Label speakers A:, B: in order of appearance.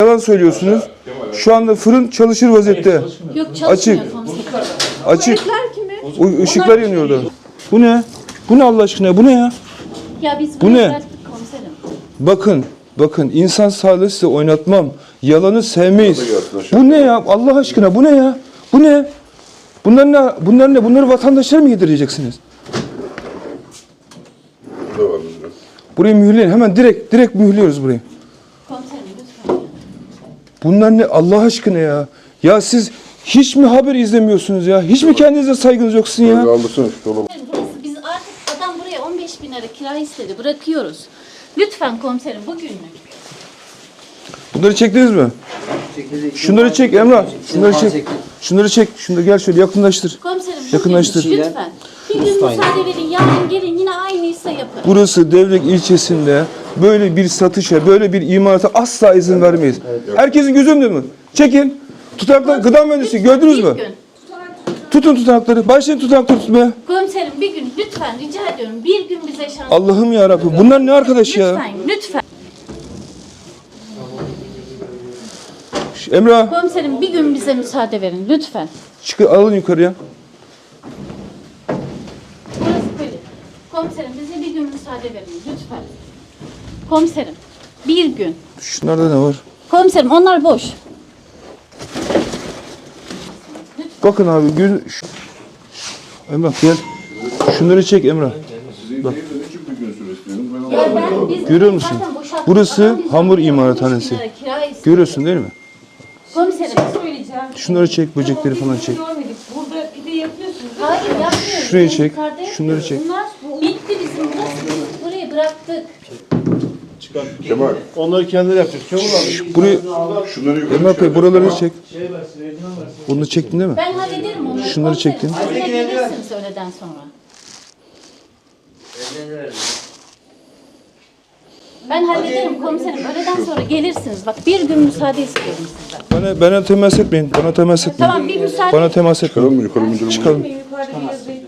A: yalan söylüyorsunuz. Şu anda fırın çalışır vaziyette.
B: Yok çalışmıyor
A: Açık.
B: komiserim.
A: Açık.
B: Börekler kimi?
A: O ışıklar yanıyordu. Bu ne? Bu ne Allah aşkına? Bu ne ya?
B: Ya biz
A: Bu ne?
B: bıraktık komiserim.
A: Bakın insan sağlığı size oynatmam. Yalanı sevmeyiz. Bu ne ya? Allah aşkına bu ne ya? Bu ne? Bunlar ne? Bunlar ne? Bunları vatandaşlara mı yedireceksiniz? Burayı mühürleyin. Hemen direkt mühürlüyoruz burayı.
B: Komiserim lütfen.
A: Bunlar ne Allah aşkına ya? Ya siz hiç mi haber izlemiyorsunuz ya? Hiç mi kendinize saygınız yok sizin ya?
B: Burası biz artık adam buraya 15.000 lira kira istedi. Bırakıyoruz. Lütfen komiserim bugünlük.
A: Bunları çektiniz mi? Şunları çek Emrah. Şunları çek. Şunları çek. Şunları gel şöyle yakınlaştır.
B: Komiserim
A: Yakınlaştır.
B: bugünlük lütfen. Bir gün müsaade verin. Yarın gelin yine aynıysa yapın.
A: Burası Devlek ilçesinde böyle bir satışa, böyle bir imalata asla izin vermeyiz. Herkesin gözü önünde mi? Çekin. Tutanaklar, gıda mühendisi gördünüz mü?
B: Bir gün.
A: Tutun tutanakları. Başlayın tutanakları tutmaya.
B: Komiserim bir gün lütfen rica ediyorum. Bir gün bize şans.
A: Allah'ım ya Rabbim. Bunlar ne arkadaş ya?
B: Lütfen, lütfen.
A: Emrah,
B: Komiserim bir gün bize müsaade verin lütfen.
A: alın yukarıya.
B: Burası böyle. Komiserim bize bir gün müsaade verin lütfen. Komiserim bir gün.
A: Şunlarda ne var?
B: Komiserim onlar boş.
A: Bakın abi, Emrah gel. Şunları çek Emrah. Bak. Görüyor musun? Burası hamur imalathanesi. Görüyorsun değil mi?
B: Komiserim.
C: Söyleyeceğim.
A: Şunları çek, böcekleri falan çek.
C: Görmedik. Burada pide yapıyorsunuz.
B: Hayır yapmıyoruz.
A: Şurayı
B: Biz
A: çek,
B: yukarıda
A: şunları
B: yapıyoruz.
A: çek.
B: Bunlar bitti bizim burası. Biz burayı bıraktık.
D: Kemal.
E: Onları kendileri yapacak. Kemal abi.
A: Burayı,
D: Şunları yukarı
A: Emrah Bey buraları çek.
E: Şey versin, Ecman versin.
A: Bunu çektin değil mi?
B: Ben hallederim onu.
A: Şunları
B: Komiserim,
A: çektin.
B: siz yine gelirsiniz öğleden sonra. Ben hallederim komiserim. Öğleden sonra gelirsiniz. Bak bir gün müsaade istiyorum sizden.
A: Bana temas etmeyin. Bana temas etmeyin.
B: Tamam bir müsaade.
A: Bana temas etmeyin.
D: Yukarı mı? Yukarı mı?
A: Çıkalım.
C: Yukarıda bir yazıyı